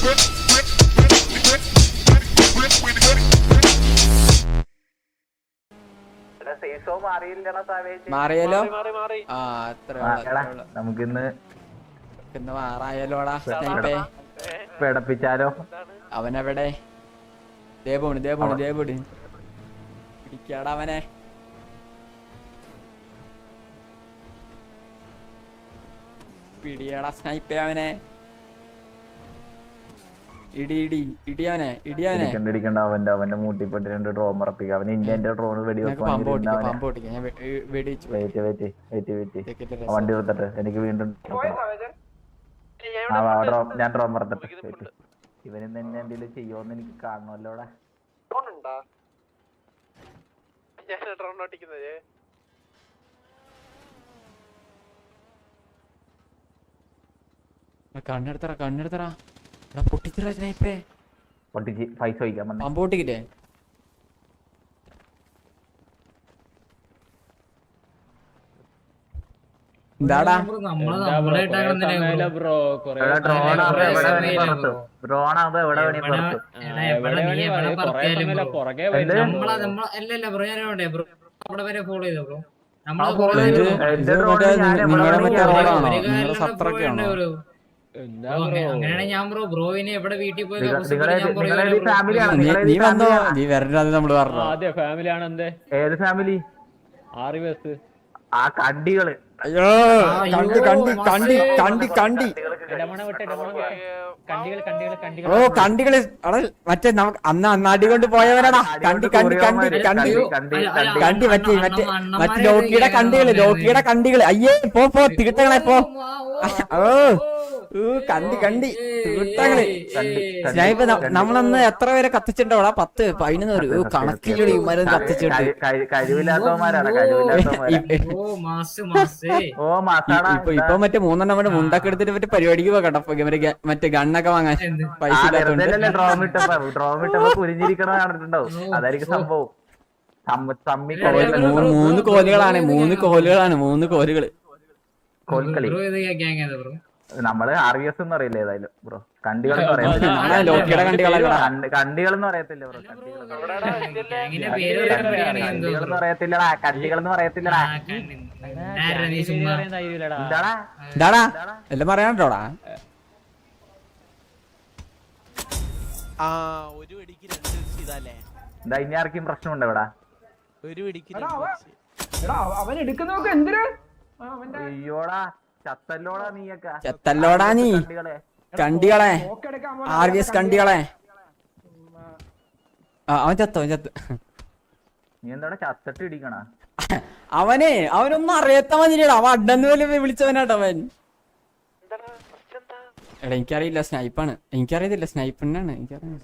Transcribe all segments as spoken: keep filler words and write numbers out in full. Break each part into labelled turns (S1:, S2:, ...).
S1: മാറിയാലോ? ആ അത്ര
S2: നമുക്കിന്ന്
S1: ഇന്ന് മാറായാലോടാ.
S2: പിടപ്പിച്ചാലോ?
S1: അവനെവിടെ? ദേപോണ് ദേപോണ് ദേപോണ് പിടിക്കാടാ അവനെ. പിടിയാടാ സ്നൈപ്പേ അവനെ. ഇടി ഇടി ഇടിയവനെ ഇടിയവനെ.
S2: ഇടിക്കണ്ട അവന്റെ അവന്റെ മൂട്ടിപ്പെട്ട് രണ്ട് ഡ്രോൺ ഉറപ്പിക്കുക. അവന് ഇന്ത്യന്റെ ഡ്രോൺ വെടി വണ്ടി നിർത്തട്ടെ. എനിക്ക് വീണ്ടും ഞാൻ ഡ്രോൺ മറത്തട്ടെ. ഇവനിന്ന് എന്നെ എന്തെങ്കിലും ചെയ്യുമോന്ന് എനിക്ക് കാണണമല്ലോടെ.
S1: കണ്ണെടുത്തറ കണ്ണെടുത്തറ പൊട്ടിച്ചിട്ട് സ്നൈപ്പേ
S2: പൊട്ടിച്ച് പൈസ വയ്ക്കാൻ
S1: പമ്പ് പൊട്ടിക്കില്ലേ? എന്താടാ നിങ്ങളുടെ മറ്റേ റോഡാണോ? നിങ്ങളുടെ സത്രൊക്കെയാണോ?
S3: അങ്ങനെയാണ് ഞാൻ ബ്രോ ബ്രോവിനെ എവിടെ വീട്ടിൽ പോയി
S1: നീ വന്നോ? നീ വരണ്ടാന്ന് നമ്മള് പറഞ്ഞു.
S4: അതെ ഫാമിലിയാണ്. എന്തേ
S2: ഏത് ഫാമിലി?
S4: ആറ് ബസ്
S2: ആ കണ്ടികള്.
S1: അയ്യോ കണ്ടി കണ്ടി കണ്ടി കണ്ടി കണ്ടി ഓ കണ്ടികള് അവിടെ മറ്റേ നമുക്ക് അന്ന് അന്നാടി കൊണ്ട് പോയവരാടാ. കണ്ടി കണ്ടി കണ്ടി കണ്ടി കണ്ടി മറ്റേ മറ്റേ മറ്റേ ലോക്കിയുടെ കണ്ടികള് ലോക്കിയുടെ കണ്ടികള്. അയ്യേ പോ പോ തീട്ടങ്ങളെ പോ. ഓ കണ്ടി കണ്ടി തീട്ടങ്ങള്. സ്നൈപ്പ് നമ്മളന്ന് എത്ര പേരെ കത്തിച്ചിട്ടുണ്ടോടാ? പത്ത് പതിനൊന്ന് ഒരു കണക്കിലൂടെ മരം കത്തിച്ചിട്ട്. ഇപ്പൊ ഇപ്പൊ മറ്റേ മൂന്നെണ്ണം കൊണ്ട് മുണ്ടൊക്കെ എടുത്തിട്ട് മറ്റേ പരിപാടിക്ക് പോകണ്ട. മറ്റേ ഗണ്ണൊക്കെ വാങ്ങാൻ പൈസ മൂന്ന് കോലുകളാണ് മൂന്ന് കോലുകളാണ് മൂന്ന് കോലുകള്.
S2: നമ്മള് ആർ വി എസ് എന്ന് പറയില്ല ഏതായാലും ബ്രോ. കണ്ടികൾ കണ്ടികൾ എന്ന് പറയത്തില്ല ബ്രോ. കണ്ടികൾ എന്ന് പറയത്തില്ലടാ. കണ്ടികൾ എന്ന് പറയത്തില്ലടാ.
S1: എന്താടാ എല്ലാം പറയാനോടാ?
S2: എന്താ ഇനി ആർക്കും പ്രശ്നമുണ്ടോ ഇവിടെ?
S5: അവൻ എടുക്കുന്നൊക്കെ എന്തിനാ?
S2: അയ്യോടാ ചത്തല്ലോടാ നീയൊക്കെ.
S1: ചത്തല്ലോടാ നീ കണ്ടികളെ. ആർ വി എസ് കണ്ടികളെ. അവൻ ചത്തോ? അവൻ ചത്ത്.
S2: നീ എന്താ ചത്തിട്ട് ഇടിക്കണ?
S1: അവനെ അവനൊന്നും അറിയാത്ത മതിരിയടാ. അവൻ അഡ്ഡന്ന് പോലെ വിളിച്ചവനാട്ടോ അവൻ. എടാ എനിക്കറിയില്ല. സ്നൈപ്പാണ്. എനിക്കറിയത്തില്ല. സ്നൈപ്പിനാണ് എനിക്കറിയാം.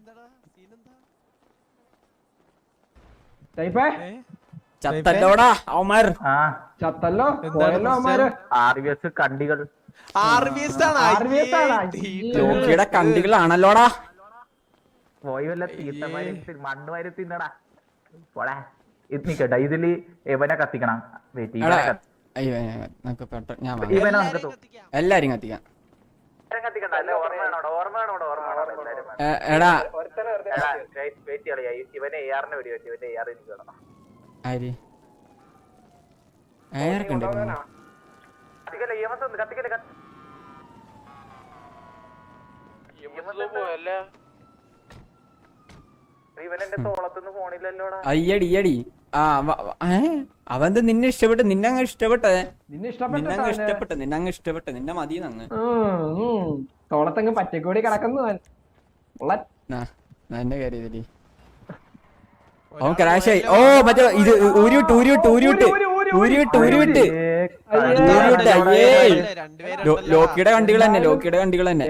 S1: ചത്തല്ലോടാ അവന്മാർ.
S5: ചത്തല്ലോ പോയല്ലോ അവന്മാര്.
S2: ആർ വി എസ് കണ്ടികൾ.
S1: ലോക്കിയുടെ കണ്ടികളാണല്ലോടാ.
S2: പോയി വല്ല തീർത്ഥമാരി മണ്ണ് വാരി തിന്നടാ. പോടാ ഇത് നിക്കട്ടെ. ഇതില് എവനെ കത്തിക്കണം.
S1: എല്ലാരും കത്തിക്കാം. എടാ
S2: ഇവനെ എയാറിന് വെടി പറ്റി. ഇവന്റെ എയാർ എനിക്ക് വേണം.
S1: ആര് ആർക്കുണ്ട്? അയ്യടി അയ്യടി. ആ അവന്ത് നിന്നെ ഇഷ്ടപ്പെട്ട്. നിന്നെ അങ്ങ് ഇഷ്ടപ്പെട്ടെ. നിന്നെ ഇഷ്ടപ്പെട്ടെ നിന്നെ അങ്ങ് ഇഷ്ടപ്പെട്ടെ. നിന്നെ മതി അങ്ങ്
S5: തോളത്തങ്ങ് പറ്റക്കൂടി കിടക്കുന്നു.
S1: എന്റെ കാര്യത്തില് ഓ ക്രാഷായി. ഓ മറ്റേ ഇത് ഊരിവിട്ട് ഊരിവിട്ട് ഊരിവിട്ട് ഊരിവിട്ട് ഊരിവിട്ട് ഊരിവിട്ട്. അയ്യേ ലോക്കിയുടെ കണ്ടികൾ തന്നെ ലോക്കിയുടെ കണ്ടികൾ തന്നെ.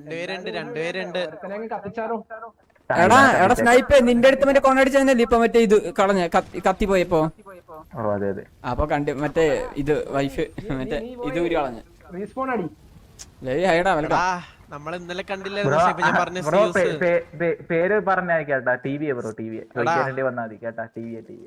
S1: എടാ എടാ സ്നൈപ്പേ നിന്റെ അടുത്ത് മറ്റേ കൊണ്ടടിച്ചതന്നല്ലേ ഇപ്പൊ മറ്റേ ഇത് കളഞ്ഞ കത്തി പോയപ്പോ? അപ്പൊ കണ്ടി മറ്റേ ഇത് വൈഫ് മറ്റേ ഇത് ഊരി കളഞ്ഞ. ഹൈഡാ വെൽക്കം.
S6: നമ്മള് ഇന്നലെ കണ്ടില്ല.
S2: പേര് പറഞ്ഞേട്ടാ. T V bro. T V വന്നാ മതി കേട്ടാ. ടി വി ടി വി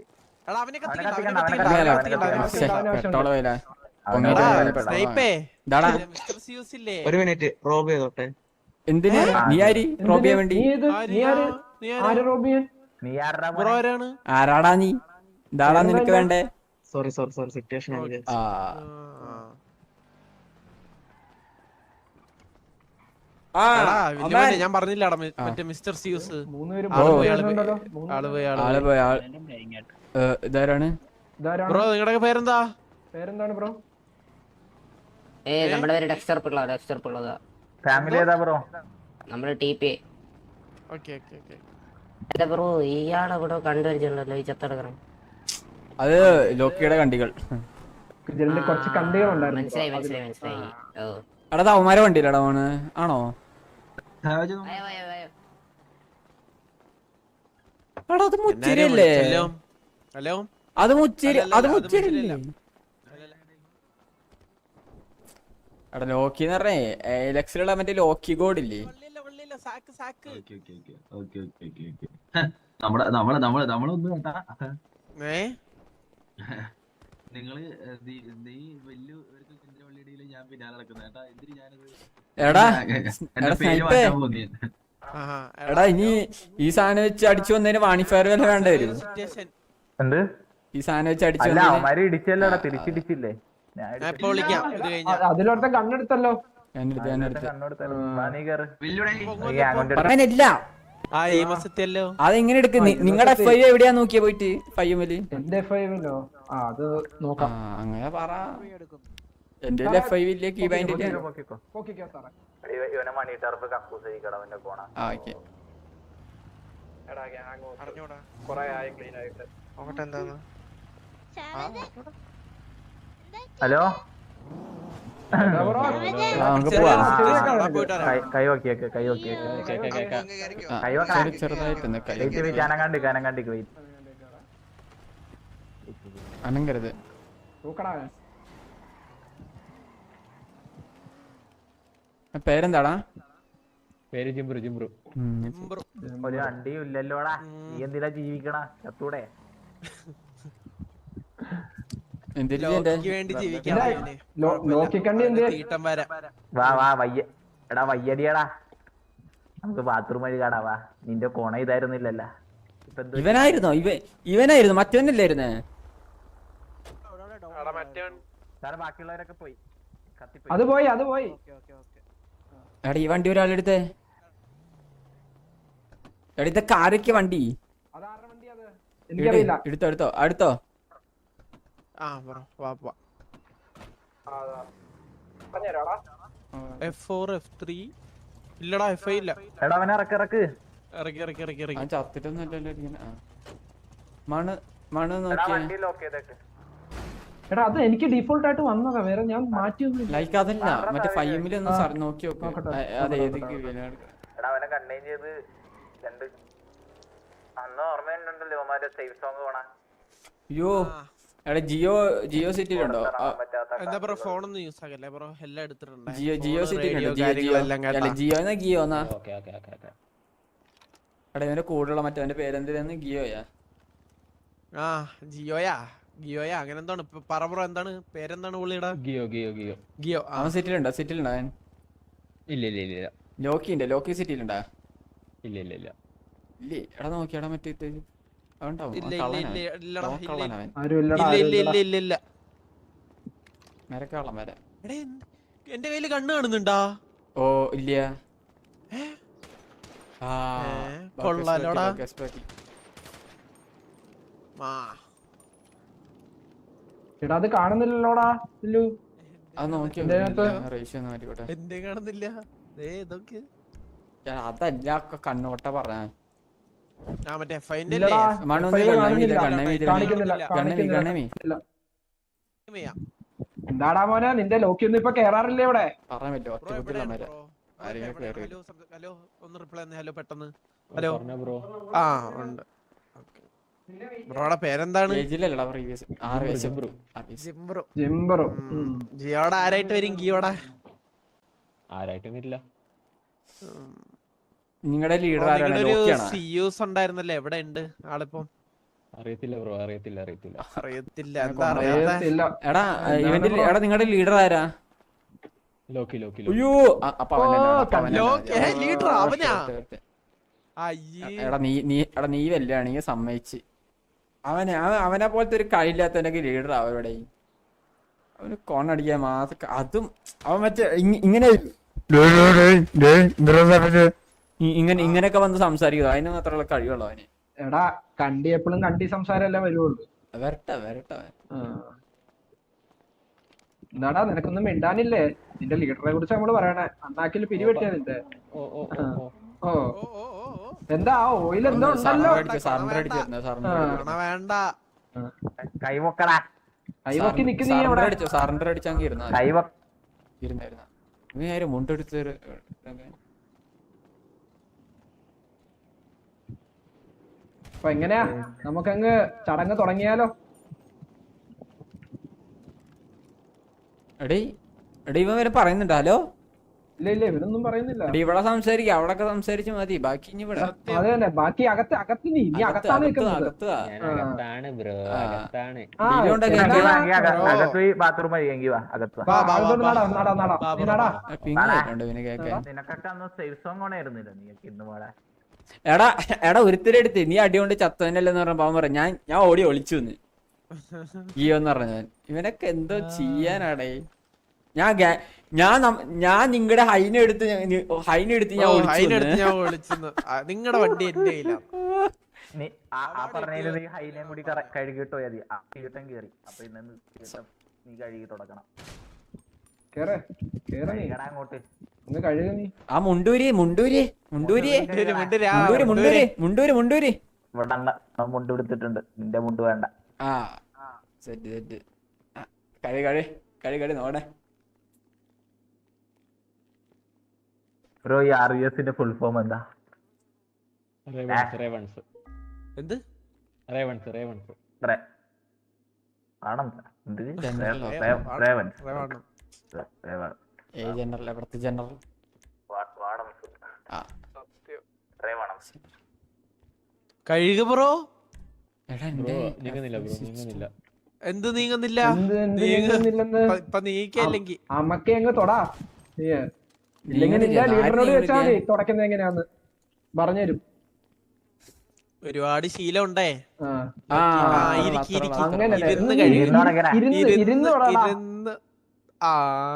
S6: ഒരു മിനിറ്റ് റോബ് ചെയ്തോട്ടെ.
S1: എന്തിന് നീ ആര് റോബിയാൻ വേണ്ടി
S5: നീ ഏത്? നീ ആര്? ആര് റോബിയൻ?
S2: നീ ആരുടെ
S6: ബ്രോ ആരാണ്?
S1: ആരാടാ നീ ഇതാടാ നിനക്ക് വേണ്ടേ
S7: സോറി സോറി സോറി സിറ്റുവേഷൻ
S1: ആ ആ
S6: എടാ, വലിയ മോനെ, ഞാൻ പറഞ്ഞില്ലടാ മറ്റേ മിസ്റ്റർ സിയൂസ്
S5: മൂന്നുപേരും
S6: ആള് പോയി ആള്
S5: ഉണ്ടല്ലോ.
S6: പോയി ആള് പോയി ആള്
S1: ആള്
S6: പോയി.
S1: പോയ ആൾ ഏ, ഇതാരാണ്
S5: ഇതാരാണ്?
S6: ബ്രോ നിങ്ങളുടെ പേരെന്താ?
S5: പേരെന്താണ് ബ്രോ?
S8: ഏ നമ്മുടെ പേര് ഡെക്സ്റ്റർ പിള്ള ഡെക്സ്റ്റർ പിള്ളതാ.
S2: ഫാമിലി ഏതാ ബ്രോ?
S8: നമ്മള് T P.
S6: Okay okay okay.
S8: എന്റെ ബ്രോ ഇയാളെ ഇവിടെ കണ്ടുവരിച്ചിട്ടുണ്ടല്ലോ ഈ ചത്തെടുക്കണം.
S1: അത് ലോക്കിയുടെ കണ്ടികൾ
S5: ഇതിന്റെ കുറച്ച് കണ്ടികളുണ്ടായിരുന്നു.
S8: മനസ്സിലായി മനസ്സിലായി മനസ്സിലായി. ഓ
S1: എടാ അവന്മാരെ വണ്ടിയിലടാ മോണ് ആണോ
S8: അയ്യോ അയ്യോ അയ്യോ.
S1: എടാ അത് മുച്ചിരിയല്ലേ
S6: ഹലോ ഹലോ.
S1: അത് മുച്ചിരി
S6: അല്ലല്ല,
S1: അത്
S6: അത്
S1: മുച്ചിരില്ലേ
S6: മുച്ചിരിയല്ല.
S1: എടാ ലോക്കി എന്ന് പറഞ്ഞേ എലക്സിലുള്ള മറ്റേ ലോക്കി ഗോഡ് ഇല്ലേ
S6: വള്ളിയില്ല, വള്ളിയില്ല, സാക്ക് സാക്ക്.
S7: നമ്മളെ നമ്മളെ നമ്മളെ നമ്മളൊന്നും കേട്ടാ
S6: ഏ
S7: നിങ്ങള് നീ- നീ വലിയ ഒരു ചന്ദ്രവള്ളിയിടയില് ഞാൻ പിന്നാലെ നടക്കുന്ന കേട്ടാ എന്തിന് ഞാനത്
S1: എടാ
S7: എന്റെ
S1: എടാ
S7: പേര്
S1: സ്നൈപ്പേ
S7: മാറ്റാൻ പോകുന്നേ
S6: ആഹാ,
S1: എടാ ഇനി ഈ സാധനം വെച്ച് അടിച്ചു വന്നതിന് വാണിഫയർ വല്ല വേണ്ട വരും
S6: സിറ്റുവേഷൻ.
S2: എന്ത്?
S1: ഈ സാധനം വെച്ച് അടിച്ചു
S2: അല്ല
S1: വന്നതിന്
S2: അവന്മാര് ഇടിച്ചല്ലോടാ, തിരിച്ചിടിച്ചില്ലേ? ഞാൻ
S6: ഞാൻ ഇപ്പൊ വിളിക്കാം ഇത് കഴിഞ്ഞാ.
S5: അതിലൊരുത്തൻ കണ്ണെടുത്തല്ലോ.
S1: ഞാനെടുത്ത് ഞാനെടുത്ത്
S2: കണ്ണോടുത്തല്ലോ. വാ, നീ കേറ്.
S7: വെല്ലുവിളി
S2: നീ അങ്ങോട്ട്
S1: പറയാനില്ല
S6: ആ ഈ മാസത്തെയല്ലോ.
S1: അതെങ്ങനെ എടുക്ക് നിങ്ങളുടെ എഫ് ഐ എവിടെയാ നോക്കിയ പോയിട്ട് ഫൈവല്
S5: എന്റെ എഫ് ഐവിലോ? ആ അത്
S1: ആ
S5: നോക്കാം.
S1: അങ്ങനെ പറ എന്റെ എഫ് ഐ ഇല്ലേ കീ ബൈൻഡ് ഇല്ലേ
S2: പൊക്കിക്കോ.
S5: ഓക്കെ സാറേ.
S2: ഇവ- ഇവനെ മണി ടർഫ് കക്കൂസ് കഴിക്കണം അവന്റെ കോണ.
S1: ആ ഓക്കെ
S6: അറിഞ്ഞൂടാ.
S7: നോക്കട്ടെ എന്താന്ന്
S2: ഹലോ
S5: എടാ ബ്രോ,
S1: ആ, നമുക്ക്
S6: ചെറിയ
S1: പോവാം
S6: situation ആണ്. പോയിട്ട് വരാം.
S2: കൈ- കൈ വക്കിയേക്ക് കൈ വക്കിയേക്ക്
S1: ആ,
S2: കൈ വെക്കാം.
S1: ചെറു- ചെറുതായിട്ടൊന്ന് കൈ
S2: വെയിറ്റ് വെയിറ്റ് അനങ്ങാണ്ടിക്ക് അനങ്ങാണ്ടിക്ക് വെയിറ്റ്.
S1: അനങ്ങരുത്
S5: തൂക്കടാ.
S1: പേരെന്താടാ
S4: പേര് ജിംബ്രു ജിംബ്രു
S1: ഉം.
S6: ബ്രോ,
S2: ഒരു വണ്ടിയും ഇല്ലല്ലോടാ. നീ എന്തിനാ ജീവിക്കണ? ചത്തൂടെ?
S1: എന്തിനാ എന്റെ
S6: ലോക്കിക്ക് വേണ്ടി ജീവിക്കാൻ
S5: ഇല്ല,
S6: ഇവന്.
S5: ലോ-
S6: കുഴപ്പമില്ല.
S5: ലോക്കിക്കണ്ണി എന്ത്?
S6: തീട്ടം വരാം.
S2: വാ വാ വയ്യ എടാ വയ്യടിയടാ, നമുക്ക് ബാത്റൂം വഴി കാണാ. വാ, നിന്റെ കോണ ഇതായിരുന്നില്ലല്ലോ. ഇപ്പൊ എന്ത്?
S1: ഇവനായിരുന്നോ ഇവ ഇവനായിരുന്നു മറ്റവനല്ലായിരുന്നേ
S2: സാറേ ബാക്കിയുള്ളവരൊക്കെ പോയി കത്തിപ്പോയി.
S5: അത് പോയി അത് പോയി.
S1: എടാ ഈ വണ്ടി ഒരാളെടുത്തേ എടാ ഇതൊക്കെ ആരൊക്കെ വണ്ടി
S5: അതാരുടെ വണ്ടി അത്?
S1: ഇട്.
S5: എനിക്കറിയില്ല.
S1: എടുത്തോ എടുത്തോ അടുത്തോ
S6: ആ ബ്രോ വാ വാ. എഫ് ഫോർ എഫ് ത്രീ ഇല്ലടാ, എഫ് ഐ ഇല്ല.
S2: എടാ അവനെ ഇറക്ക് ഇറക്ക്.
S6: ഇറക്കി ഇറക്കി ഇറക്കി
S1: ആ
S6: ഇറക്കി.
S1: ചത്തിട്ടൊന്നുമല്ലല്ലോ ഇരിക്കുന്നെ. ആ. മണ് മണ്
S2: എടാ
S1: നോക്കിയേ
S2: വണ്ടി ലോക്ക് ചെയ്തേക്ക്.
S5: എടാ അത് എനിക്ക് ഡീഫോൾട്ട് ആയിട്ട് വന്നതാ, വേറെ ഞാൻ മാറ്റിയൊന്നുമില്ല.
S1: ലൈക്ക് അതല്ല മറ്റേ ഫൈമില് ഒന്ന് സർ നോക്കി നോക്ക്
S5: നോക്കട്ടെ.
S1: ആ, അത് ഏത്
S2: എടാ അവനെ കണ്ടെയ്ൻ ചെയ്ത് രണ്ട് അന്ന് ഓർമ്മയുണ്ടല്ലോ അവന്മാരെ സേഫ് സോങ് പോണ
S1: അയ്യോ എടാ ജിയോ ജിയോ സിറ്റിയിലുണ്ടോ ആ,
S6: എന്താ ബ്രോ ഫോണൊന്നും യൂസ് ആക്കല്ലേ ബ്രോ, എല്ലാം എടുത്തിട്ടുണ്ട്.
S1: ജിയോ ജിയോ
S6: Phone,
S1: സിറ്റിയിലുണ്ടോ
S6: radio,
S1: ജിയോ ജിയോ
S6: കാര്യങ്ങളെല്ലാം കേട്ടാ.
S1: അല്ല ജിയോ എന്നാ ജിയോ എന്നാ
S4: ഓക്കെ ഓക്കെ ഓക്കെ ഓക്കെ
S1: എടാ ഇവന്റെ കൂടെയുള്ള മറ്റവന്റെ പേരെന്തിനാന്ന് ഗിയോയാ
S6: ആ ജിയോയാ ഗിയോയാ അങ്ങനെ എന്താണ് ഇപ്പൊ പറ ബ്രോ, എന്താണ് പേരെന്താണ് പുള്ളിയുടെ?
S4: ഗിയോ ഗിയോ ഗിയോ
S6: ഗിയോ. ആ
S1: അവൻ സിറ്റിയിലുണ്ടോ സിറ്റിയിലുണ്ടോ അവൻ
S4: ഇല്ല ഇല്ല ഇല്ല ഇല്ല
S1: ലോക്കി ഉണ്ട് ലോക്കി സിറ്റിയിലുണ്ടാ
S4: ഇല്ല ഇല്ല ഇല്ല
S1: ഇല്ലേ എടാ നോക്കിയാടാ മറ്റേ ഇത് അവണ്ടാവും
S6: ഇല്ല ഇല്ല ഇല്ല ഇല്ലടാ ഇല്ല
S1: കള്ളനവൻ
S5: ആരും ഇല്ലടാ,
S6: ഇല്ല
S5: ആരും
S6: ഇല്ല
S5: ഇല്ലടാ.
S6: ഇല്ല ഇല്ല ഇല്ല.
S1: മരക്കള്ളം വരെ
S6: എടാ എന്ത്- എന്റെ കയ്യില് കണ്ണ് കാണുന്നുണ്ടാ?
S1: ഓ ഇല്ല ആ
S6: ഏ, കൊള്ളാലോടാ.
S1: ഗസ് ബാക്കി.
S6: ആ
S5: എടാ അത് കാണുന്നില്ലല്ലോടാ ഇല്ലു.
S1: അത് നോക്കി
S5: ഇതിനകത്ത്
S1: റേഷ്യോ ഒന്ന് മാറ്റിക്കോട്ടെ
S6: എന്റെ കാണുന്നില്ല. ഏ ഇതൊക്കെ
S1: ഞാൻ അതല്ല ഒക്കെ കണ്ണോട്ട പറഞ്ഞ
S6: ആ മറ്റേ എഫ് ഐന്റെ
S5: ഇല്ലടാ,
S1: മണു
S5: എഫ് ഐ കാണുന്നില്ല.
S1: കണ്ണമി
S5: കാണിക്കുന്നില്ല,
S1: കണ്ണമി
S5: കാണിക്കുന്നില്ല.
S1: കണ്ണമി
S5: ഇല്ല. എന്താടാ മോനെ നിന്റെ ലോക്കി ഒന്നും ഇപ്പൊ കേറാറില്ലേ ഇവിടെ?
S1: പറയാൻ പറ്റുമോ ഒറ്റ ബുദ്ധിയുള്ള മര ആരെങ്കിലും കേറി
S6: ഹലോ ഹലോ ഒന്ന് റിപ്ലൈ തന്നെ. ഹലോ പെട്ടെന്ന്. ഹലോ
S4: പറഞ്ഞ ബ്രോ
S6: ആ ഉണ്ട്. ബ്രോയുടെ പേരെന്താണ്?
S1: ഏജിലല്ലടാ പ്രീവിയസ് ആറ് വയസ്സ്
S4: ജിംബ്രു
S6: ജിംബ്രോ.
S5: ജിംബറോ.
S6: ജിയോടെ ആരായിട്ട് വരും ഗിയോടെ?
S4: ആരായിട്ടും വരില്ല.
S1: നിങ്ങളുടെ ലീഡർ ആരാണ്
S6: നിങ്ങളുടെ ഒരു
S1: ലോക്കിയാണോ
S6: സിയൂസ് ഉണ്ടായിരുന്നല്ലേ, എവിടെ ഉണ്ട് ആളിപ്പം?
S4: അറിയത്തില്ല ബ്രോ അറിയത്തില്ല അറിയത്തില്ല
S6: അറിയത്തില്ല. എന്താ അറിയാത്ത?
S5: ഇല്ല.
S1: എടാ ഇവന്റെ എടാ നിങ്ങളുടെ ലീഡർ ആരാ
S4: ലോക്കി ലോക്കി
S1: അയ്യോ അ- അപ്പൊ അവൻ തന്നെ വേണം, അപ്പൊ അവൻ തന്നെ
S6: ലോക്കി,
S1: മതി.
S6: ഏ, leader ആ, അവനാ?
S1: Okay, okay.
S6: അയ്യേ
S1: എടാ നീ നീ എടാ നീ വല്യാണെങ്കിൽ സമ്മതിച്ച് അവനെ അവൻ അവനെ പോലത്തെ ഒരു കഴിയില്ലാത്തവനൊക്കെ ലീഡർ അവരുടെ അവന് കോണടിക്കാൻ മാസം അതും അവൻ മറ്റേ ഇങ്ങ- ഇങ്ങനെ ഇ- ഇങ്ങനെ ഇങ്ങനെയൊക്കെ വന്ന് സംസാരിക്കുക അതിന് മാത്രമുള്ള കഴിവുള്ളൂ അവന്.
S5: എടാ കണ്ടി എപ്പോഴും കണ്ടി സംസാരമല്ലേ വരുവുള്ളൂ.
S1: വരട്ടെ വരട്ടെ അവൻ.
S5: ആ. എന്താടാ നിനക്കൊന്നും മിണ്ടാനില്ലേ? നിന്റെ ലീഡറെ കുറിച്ച് നമ്മള് പറയണേ. അണ്ണാക്കിൽ പിരിവെട്ടിയാ നിന്റെ.
S4: ഓ ഓ ഓ ഓ
S5: ഓ
S6: ഓ ഓ ഓ ഓ
S5: എന്താ ആ ഓയിൽ എന്തോ ഉണ്ടല്ലോ.
S1: സറണ്ടർ അടിച്ചു സറണ്ടർ അടിച്ചു സറണ്ടർ
S6: പണ വേണ്ട.
S2: കൈവക്കടാ
S5: കൈവക്കി നിക്കുന്ന നീ
S1: സറണ്ടർ
S5: അവിടെ.
S1: അടിച്ചു സറണ്ടർ അടിച്ചെങ്കിൽ ഇരുന്ന
S2: കൈവ
S1: ഇരുന്നായിരുന്ന നീ ആരും മുണ്ടെടുത്ത്
S5: അപ്പൊ എങ്ങനെയാ നമുക്കങ്ങ് ചടങ്ങ് തുടങ്ങിയാലോ?
S1: എടീ എടീ ഇവൻ വരെ പറയുന്നുണ്ട് ഹലോ
S5: ഇല്ല ഇല്ല ഇവരൊന്നും പറയുന്നില്ല.
S1: എടീ ഇവിടെ സംസാരിക്കുക അവിടൊക്കെ സംസാരിച്ച് മതി ബാക്കി ഇനി ഇവിടെ
S5: അതെ തന്നെ ബാക്കി അകത്ത് അകത്ത് നീ നീ
S1: അകത്ത്
S5: അകത്താണ്
S1: അകത്ത്
S5: നിൽക്കുന്നത്.
S1: അകത്ത് വാ.
S4: ഞാൻ അകത്താണ് ബ്രോ
S1: ആ.
S4: അകത്താണ്.
S5: ആ,
S1: ഇതിലുണ്ടൊക്കെ
S5: എന്നാ-
S1: എനിക്ക്
S2: അകത്ത് പോയി ബാത്റൂം കഴിയെങ്കി വാ അകത്ത് വാ
S5: വാ,
S6: വാ,
S5: അകത്തോട്ട്
S6: വാ,
S5: നടാ,
S6: വാ.
S5: നടാ, നടാ.
S6: വാ,
S5: നീ
S6: വാ,
S5: നടാ.
S6: വാ.
S1: പിങ് കേട്ടോ ഇവന് കേൾക്കാൻ
S2: നിനക്കൊക്കെ അന്ന് സേഫ് സോങ് ഓണായിരുന്നില്ല നീയൊക്കെ ഇന്ന് പോടാ
S1: എടാ എടാ ഒരുത്തിരി എടുത്ത് നീ അടി കൊണ്ട് ചത്തവനല്ലെന്ന് പറഞ്ഞ പാവൻ പറയാം ഞാൻ ഞാൻ ഓടി ഒളിച്ചു എന്ന് ഗിയോന്ന് പറഞ്ഞ ഞാൻ ഇവനൊക്കെ എന്തോ ചെയ്യാനാടേ ഞാൻ ഗാ- ഞാൻ നം- ഞാൻ നിങ്ങളുടെ ഹൈന എടുത്ത് ഹൈന എടുത്ത് ഞാൻ
S6: ഓ,
S1: ഒളിച്ചു
S6: അതിനടുത്ത്
S1: എന്ന്.
S6: ഞാൻ വിളിച്ചെന്ന്. നിങ്ങളുടെ വണ്ടി എന്റെ കയ്യിലാണ്.
S2: നീ ആ ആ പറഞ്ഞതില് നീ ഹൈനയും കൂടി കറ- കഴുകിയിട്ട് പോയാ മതി ആ തീട്ടം കേറി അപ്പൊ ഇന്ന് തീട്ടം നീ കഴുകി തുടക്കണം
S5: കേറ് കേറ് നീ
S2: കഴുകടാ അങ്ങോട്ട്
S5: ഒന്ന് കഴുക നീ.
S1: ആ മുണ്ടൂരി മുണ്ടൂരി മുണ്ടൂരി
S6: മുണ്ടൂര്, മുണ്ടൂര്, ആ,
S1: മുണ്ടൂരി മുണ്ടൂരി മുണ്ടൂരി മുണ്ടൂരി
S2: ഇവിടെ അണ്ണ ഞാൻ മുണ്ട് എടുത്തിട്ടുണ്ട് നിന്റെ മുണ്ട് വേണ്ട
S1: ആ സെറ്റ് സെറ്റ് കഴി കഴി കഴി കഴി നോടെ
S2: ബ്രോ ഈ ആർ യു എസിന്റെ ഫുൾ ഫോം എന്താ
S4: റേവൺസ് റേവൺസ്
S6: എന്ത്
S4: റേവൺസ് റേവൺസ്
S2: റേ- ആണം എന്ത്
S1: ജനറൽ
S2: റേ- റേ- റേവൻ
S6: റേവണ്ണം.
S2: റേവൻ
S1: ഏ ജനറൽ എവിടത്തെ ജനറൽ
S2: വാ- വാടംസ്.
S1: ആ
S2: റേവണം
S6: കഴുക ബ്രോ.
S1: എടാ
S4: ബ്രോ
S1: എന്റെ
S4: നീങ്ങുന്നില്ല ബ്രോ നീങ്ങുന്നില്ല.
S6: എന്ത് നീങ്ങുന്നില്ല?
S5: എന്ത് എന്ത്
S6: നീങ്ങ-
S5: നീങ്ങുന്നില്ലെന്ന്?
S6: ഇപ്പൊ- ഇപ്പൊ നീക്കല്ലെങ്കിൽ
S5: അമ്മക്കെ അങ്ങ് തൊടാ നീ. ഇല്ലെങ്കിൽ നിന്റെ
S1: നീങ്ങുന്നില്ല,
S5: ലീഡറിനോട്
S1: ആരും
S5: വെച്ചാൽ മതി തുടക്കുന്നത് എങ്ങനെയാന്ന് പറഞ്ഞുതരും.
S6: ഒരുപാട് ശീലം ഉണ്ടേ.
S5: ആ
S1: ആ
S6: ആ,
S1: അത്ര
S6: ഇരിക്ക്,
S1: ഉള്ളൂ,
S6: ഇരിക്ക്.
S1: അത്ര ഉള്ളൂ.
S5: അങ്ങനല്ലേ
S6: ഇരുന്ന്
S5: നീ
S6: കഴിയും.
S5: ഇരുന്ന്
S2: ഇരുന്നോടങ്ങനെ.
S5: ഇരുന്ന് ഇരുന്ന് തൊടാടാ.
S6: ഇരുന്ന് ആ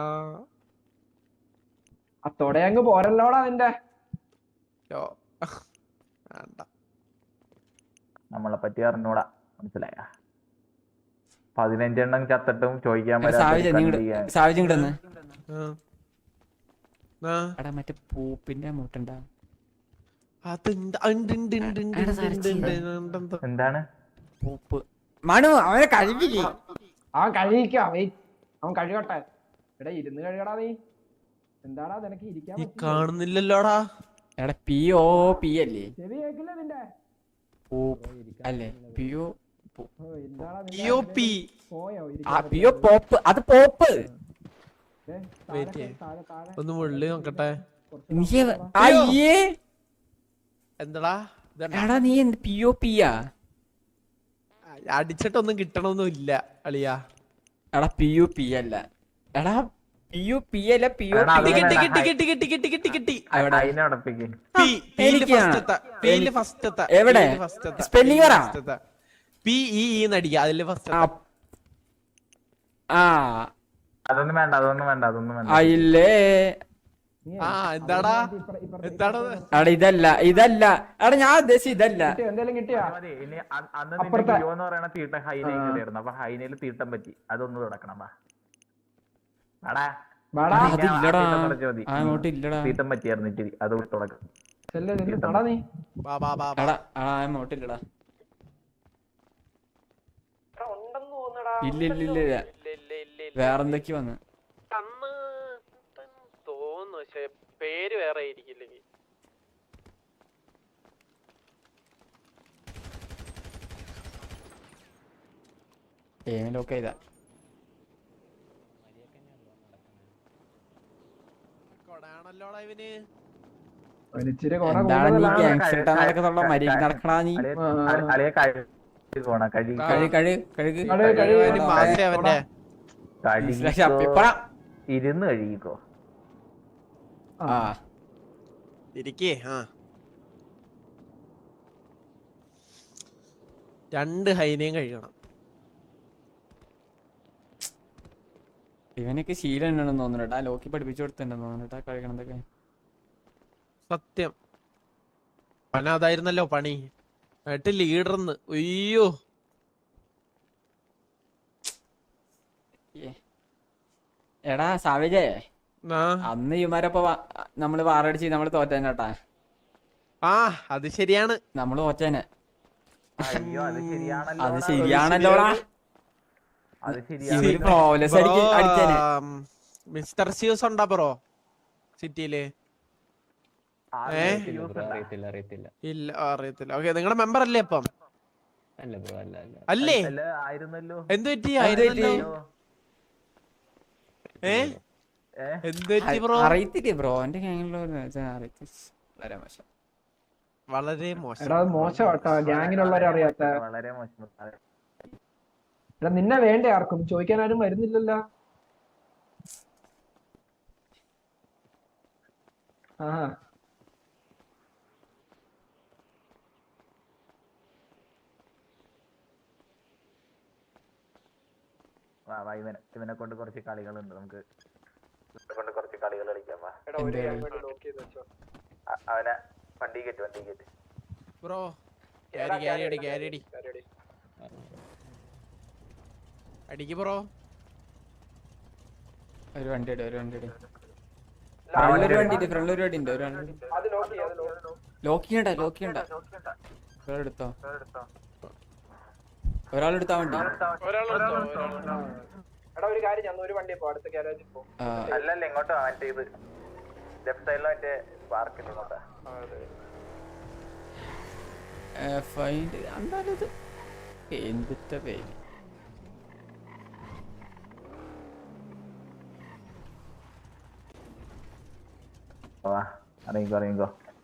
S5: ആ തൊടയങ്ങ് പോരല്ലോടാ നിന്റെ.
S6: യോ. വേണ്ട.
S2: നമ്മളെ പറ്റി അറിഞ്ഞൂടാ മനസ്സിലായ പതിനഞ്ചെണ്ണം ചത്തിട്ടും ചോദിക്കാൻ
S1: എടാ, സാവിജ നിങ്ങട് സാവിജ ഇങ്ങോട്ട്
S6: ആ. ആ,
S1: എടാ മറ്റേ പൂപ്പിന്റെ മുട്ടുണ്ടാ
S6: അതുണ്ട്, ഉണ്ട്, ഉണ്ട്, ഉണ്ട്, ഉണ്ട്,
S1: എടാ,
S6: ഉണ്ട്, ഉണ്ട്, ഉണ്ട്, ഉണ്ട്.
S2: എന്താണ്
S1: പൂപ്പ് മനു അവനെ കഴിപ്പില്ലേ
S5: അവൻ കഴിയിക്കാം വെയിറ്റ് അവൻ കഴുകട്ടെ. എടാ ഇരുന്ന് കഴുകടാ നീ. എന്താടാ നിനക്ക് ഇരിക്കാൻ
S6: ഈ
S5: പറ്റില്ലേ?
S6: കാണുന്നില്ലല്ലോടാ.
S1: എടാ പി ഓ പി അല്ലേ
S5: ചെവി കേക്കില്ല നിന്റെ.
S1: പൂപ്പ് അല്ലേ പി ഒ
S5: ഓ, എന്താടാ നിന്റെ
S6: ഇ ഒ പി.
S5: പോയോ
S1: ആ
S5: ഇരിക്കാൻ
S1: പി ഒ പോപ്പ് അത് പോപ്പ്
S5: ദേ, താഴെ
S6: Wait
S5: കേ-
S6: ചെയ്യ്.
S5: താഴെ, താഴെ.
S6: ഒന്ന് മുള്ളി നോക്കട്ടെ.
S5: കുറച്ച്
S1: നീ
S5: താഴെ വാ.
S1: അയ്യേ
S6: എന്താടാ ഇതെന്താ?
S1: എടാ നീ എന്ത് പി ഒ പിയാ
S6: അടിച്ചിട്ടൊന്നും കിട്ടണമൊന്നും ഇല്ല അളിയാ.
S1: എടാ പി യു പി അല്ല എടാ പി യു പി അല്ല പി ഒ
S2: എടാ,
S6: കിട്ടി,
S1: പി
S6: കിട്ടി,
S2: വേണ്ട.
S6: കിട്ടി, കിട്ടി, കിട്ടി, കിട്ടി, കിട്ടി, കിട്ടി.
S1: എവിടെ?
S2: അതിനെ ഉടപ്പിക്ക്
S6: പി, പിയില്
S1: എനിക്കാണ്.
S6: first എത്താ. പിയില് first എത്താ.
S1: എവിടെ?
S6: പിയില് first എത്താ.
S1: Spelling
S6: പിയില്
S1: പറ.
S6: first എത്താ. പി ഇ ഇ നടിക്കുക അതില് ഫസ്റ്റ്
S1: ആ ആ
S2: അതൊന്നും വേണ്ട അതൊന്നും വേണ്ട അതൊന്നും വേണ്ട
S1: അയില്ലേ
S5: നീ
S6: ആ എന്താടാ
S5: ഇപ്പുറ- ഇപ്പുറത്ത്
S6: എന്താടാ
S1: എടാ ഇതല്ല ഇതല്ല എടാ ഞാൻ ഉദ്ദേശിച്ച ഇതല്ല
S5: കിട്ടിയോ? എന്തേലും കിട്ടിയാ?
S2: മതി ഇനി അ- അന്ന്
S5: അപ്പുറത്തെ-
S2: നിന്റെ ജിയോ എന്ന് പറയുന്ന തീട്ടം ഹൈനയിൽ കയറിയിരുന്നു അപ്പൊ ഹൈനയിൽ തീട്ടം പറ്റി അതൊന്ന് തുടക്കണം വാ വാടാ
S5: വാടാ.
S1: എടാ, അതില്ലടാ
S2: തീട്ടം തുടച്ചാ മതി.
S1: ആ അങ്ങോട്ട് ഇല്ലടാ
S2: തീട്ടം പറ്റിയായിരുന്നു ഇച്ചിരി അത് തുടക്കം
S5: ചെല്ല് ചെല്ല് തൊടാ നീ.
S6: ബാ ബാ ബാ ബാ.
S1: എടാ ആ അങ്ങോട്ട് ഇല്ലടാ ഇല്ല ഇല്ല ഇല്ല ഇല്ല വേറെന്തൊക്കെ വന്ന്
S6: അന്ന് തോന്നുന്നു പക്ഷെ പേര് വേറെ ആയിരിക്കില്ലെങ്കിൽ
S1: ഏമിലൊക്കെ ഇതാ
S6: കൊടാണല്ലോടാ ഇവന്.
S5: ഒരിച്ചിരി കൊറ
S1: എന്താണ് നീ
S5: കൂടുതലാണ്.
S1: ഗാങ്സ്റ്റർ നടക്കുന്നുള്ള മര്യാദ നടക്കണാ നീ
S2: അളിയെ-
S5: ആ, ആ.
S2: അളി- അളിയെ കഴുകി പോണ കഴുകി
S6: ആ.
S1: കഴി കഴി കഴുകി
S5: കഴുക്, കഴുക്.
S6: ഇവന് മാസേ അവന്റെ
S2: കഴുകിക്കോ.
S1: ഇപ്പഴാ
S2: ഇരുന്ന് കഴുകിക്കോ
S1: ആ
S6: ഇരിക്കേ ആ രണ്ട് ഹൈനയും കഴിക്കണം.
S1: ഇവനൊക്കെ ശീലം ഉണ്ടെന്ന് തോന്നുന്നുട്ടാ. ലോക്കി പഠിപ്പിച്ചു കൊടുത്തിട്ടുണ്ടെന്ന് തോന്നുന്നുട്ടാ കഴിക്കണതൊക്കെ.
S6: സത്യം പന അതായിരുന്നല്ലോ പണി. എന്നിട്ട് ലീഡർന്ന് അയ്യോ
S1: എടാ സാവേജേ,
S6: ആ
S1: അന്ന് ഇവന്മാരപ്പൊ നമ്മള് വാറടിച്ച് നമ്മള് തോറ്റേനെ കേട്ടാ.
S6: ആ അത് ശരിയാണ്.
S1: നമ്മള് തോറ്റേനെ.
S2: അയ്യോ അത് ശരിയാണല്ലോ
S1: അത് ശരിയാണല്ലോടാ.
S2: അത്
S1: ഇവര്
S2: ശരിയാണ്.
S1: ഫ്ലോലെസ് അടിക്ക് അടിച്ചേനെ.
S6: മിസ്റ്റർ സിയൂസ് ഉണ്ടാ ബ്രോ സിറ്റിയില്? ഏ
S4: ബ്രോ അറിയത്തില്ല അറിയത്തില്ല
S6: ഇല്ല അറിയത്തില്ല. ഓക്കെ നിങ്ങളുടെ മെമ്പർ അല്ലേ അപ്പം?
S4: അല്ല ബ്രോ അല്ല അല്ല
S6: അല്ലേ
S2: അല്ല, ആയിരുന്നല്ലോ.
S6: എന്ത് പറ്റി?
S1: എന്ത് പറ്റി?
S6: ആയിരുന്നല്ലോ. ഏ
S2: ഏ?
S6: എന്ത് പറ്റി ബ്രോ?
S1: അറിയത്തില്ലേ ബ്രോ, എന്റെ വളരെ മോശം.
S6: വളരെ മോശം.
S5: എടാ അത് മോശം കേട്ടോ, ഗ്യാങ്ങിലുള്ളവരറിയാത്ത.
S2: വളരെ മോശം.
S5: എടാ നിന്നെ വേണ്ടേ ആർക്കും? ചോദിക്കാൻ ആരും വരുന്നില്ലല്ലോ. ആ
S2: വാ വാ ഇവനെ ഇവനെ കൊണ്ട് കുറച്ച് കളികളുണ്ട് നമുക്ക്. ഇവനെ കൊണ്ട് കുറച്ച് കളികൾ കളിക്കാം വാ. അ- അവനെ വണ്ടി കയറ്റ് വണ്ടി കയറ്റ്.
S6: ബ്രോ ക്യാരി ക്യാരി അടി ക്യാരി അടി അടിക്ക് ബ്രോ.
S1: ഒരു വണ്ടി ഇട്, ഒരു വണ്ടി ഇട്. ഫ്രണ്ടിലൊരു വണ്ടി ഉണ്ട്, ഫ്രണ്ടിലൊരു വണ്ടി ഉണ്ട്. ഒരു വണ്ടി ലോക്ക് ചെയ്യണ്ട, ലോക്ക് ചെയ്യണ്ട. ഒരാളെടുത്തോ, ഒരാളെടുത്താ വണ്ടി.
S5: എടാ ഒരു കാര്യം, ഞാൻ ഒരു വണ്ടി പോ, അടുത്ത ഗ്യാരേജിൽ പോ.
S1: ആ,
S2: അല്ലല്ല ഇങ്ങോട്ടോ മറ്റേ ഇത് ലെഫ്റ്റ് സൈഡിലോ മറ്റേ പാർക്കിൽ ഇങ്ങോട്ടാ.
S1: ഫൈൻഡ് എന്തായാലും ഇത് എന്തിട്ട പേര്.
S2: വാ അറിയിക്കോ അറിയിക്കോ.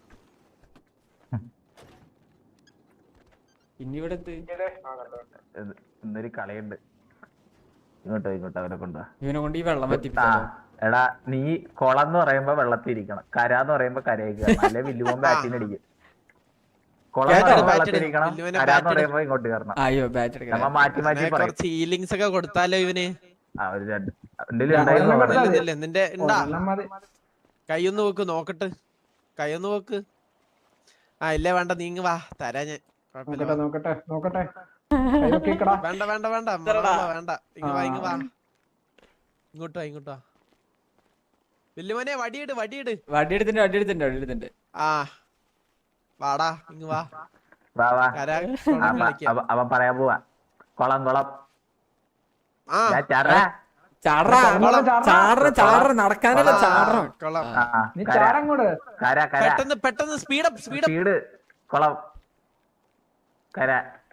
S1: ഇനി ഇവിടെ എന്ത്?
S2: ഇത് ഇന്നൊരു കളിയുണ്ട്. ഇങ്ങോട്ടോ ഇങ്ങോട്ടോ അവനെ കൊണ്ടുവാ.
S1: ഇവനെ കൊണ്ട് ഈ വെള്ളം
S2: ആ
S1: പറ്റിപ്പിച്ചാലോ?
S2: എടാ നീ കുളം എന്ന് പറയുമ്പോ വെള്ളത്തിൽ ഇരിക്കണം, കരാന്ന് പറയുമ്പോ കരയിക്കണം, അല്ലെ വില്ലുമോൻ ബാറ്റിന് അടിക്കും. കുളം എന്ന് പറയുമ്പോ വെള്ളത്തിൽ ഇരിക്കണം, കരാന്ന് പറയുമ്പോ ഇങ്ങോട്ട് കയറണം.
S1: അയ്യോ ബാറ്റ് എടുക്കാം.
S2: നമ്മ മാറ്റി മാറ്റി പറയും.
S6: കുറച്ച് ഹീലിങ്സ് ഒക്കെ കൊടുത്താലോ ഇവന്?
S2: ആ ഒരു രണ്ട് എന്തെങ്കിലും ഉണ്ടായിരുന്നു
S5: ഒരെണ്ണം
S2: അവിടെ.
S5: കൊടുത്താ
S6: ഇല്ല, നിന്റെ ഉണ്ടാ
S5: ഒരെണ്ണം മതി.
S6: കൈയൊന്ന് വെക്ക് നോക്കട്ടെ, കൈയൊന്ന് വെക്ക്. ആ ഇല്ല വേണ്ട നീങ്ങ് വാ, തരാ ഞാൻ. കുഴപ്പമില്ല
S5: നോക്കട്ടെ
S6: വാ.
S5: നോക്കട്ടെ നോക്കട്ടെ. കൈ വെക്കിക്കടാ.
S6: വേണ്ട വേണ്ട വേണ്ട മറന്നോ, വേണ്ട ഇങ്ങ് വാ ഇങ്ങ് വാ, ഇങ്ങോട്ട് വാ ഇങ്ങോട്ട് വാ. വല്യമോനെ വടിയിട് വടിയിട്.
S1: വടി എടുത്തിട്ടുണ്ട്, വടി എടുത്തിട്ടുണ്ട്, വടി എടുത്തിട്ടുണ്ട്.
S6: ആ വാടാ ഇങ്ങ് വാ.
S2: വാ വാ.
S6: കരാ
S2: ആ, പ-
S6: കളിക്കാം.
S2: അവ- അവൻ പറയാൻ പോവാ കുളം കുളം.
S6: ആ
S2: ഞാൻ ചറ.
S1: ചാടറ ചാടറ ചാടറ നടക്കാനല്ല ചാടറ.
S6: കൊള്ളാം.
S2: ആ, ആ,
S5: നീ
S2: കര
S5: ചാടങ്ങോട്.
S2: കര കര
S6: പെട്ടെന്ന് പെട്ടെന്ന് സ്പീഡപ്പ് സ്പീഡപ്പ്.
S2: വീട് കുളം കര.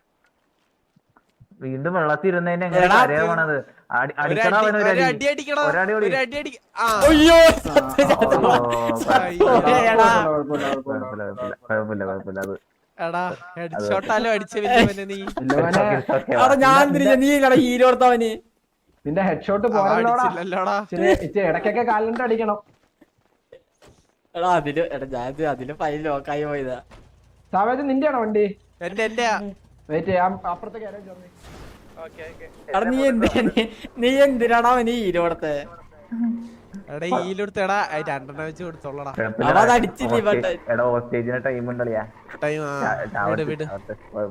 S2: വീണ്ടും വെള്ളത്തിൽ ഇരുന്നതിന് എങ്ങനെ
S1: എടാ,
S2: കരയാ പോണത്? അടി- അടിക്കണോ അവന് ഒരു
S6: ഒരു
S2: അടി?
S6: അടി അടിക്കണോ,
S2: ഒരടി കൂടി.
S6: ഒരു അടി അടി. ആ
S1: അയ്യോ
S2: ഓ,
S6: അയ്യോ.
S1: എടാ.
S5: കുഴപ്പമില്ല, കുഴപ്പമില്ല,
S2: കുഴപ്പമില്ല കുഴപ്പമില്ല കുഴപ്പമില്ല കുഴപ്പമില്ല അത്
S6: എടാ ഹെഡ്ഷോട്ടാലോ അടിച്ച വല്യമോനെ നീ.
S5: ഇല്ലവനെ,
S2: It's okay,
S1: അവിടെ
S2: വാ.
S1: ഞാൻ തിരിഞ്ഞ നീ ഇല്ലടാ ഹീരോ എടുത്തവന്.
S5: നിന്റെ ഹെഡ്ഷോട്ട്
S6: ആ,
S5: പോരല്ലോടാ.
S6: അടിച്ചില്ലല്ലോടാ.
S5: ഇച്ചിരി ഇച്ചിരി ഇടയ്ക്കൊക്കെ കാലിലിട്ട് അടിക്കണം.
S1: എടാ അതില് എടാ ഞാൻ അതില് ഫൈൽ ലോക്കായി പോയതാ.
S5: സാവേജ് നിന്റെയാണോ വണ്ടി?
S6: എന്റെ എന്റെ
S5: വെയിറ്റ് ചെയ്യാം, അപ്പുറത്തെ ഗ്യാരേജ് വന്നേ.
S1: എടാ നീ എന്തിനാ നീ- നീ എന്തിനാടാ അവന് ഹീരോ എടുത്തേ?
S6: എടാ ഈലെടുത്തടാ രണ്ടെണ്ണം വെച്ച് കൊടുത്തോളടാ.
S2: കുഴപ്പമില്ല.
S1: അവൻ അത് അടിച്ചില്ലേ,
S2: Hostage-
S1: but-
S2: എടാ ഹോസ്റ്റേജിന് ടൈം ഉണ്ടല്ലേ?
S6: ടൈം വിട് വിട്.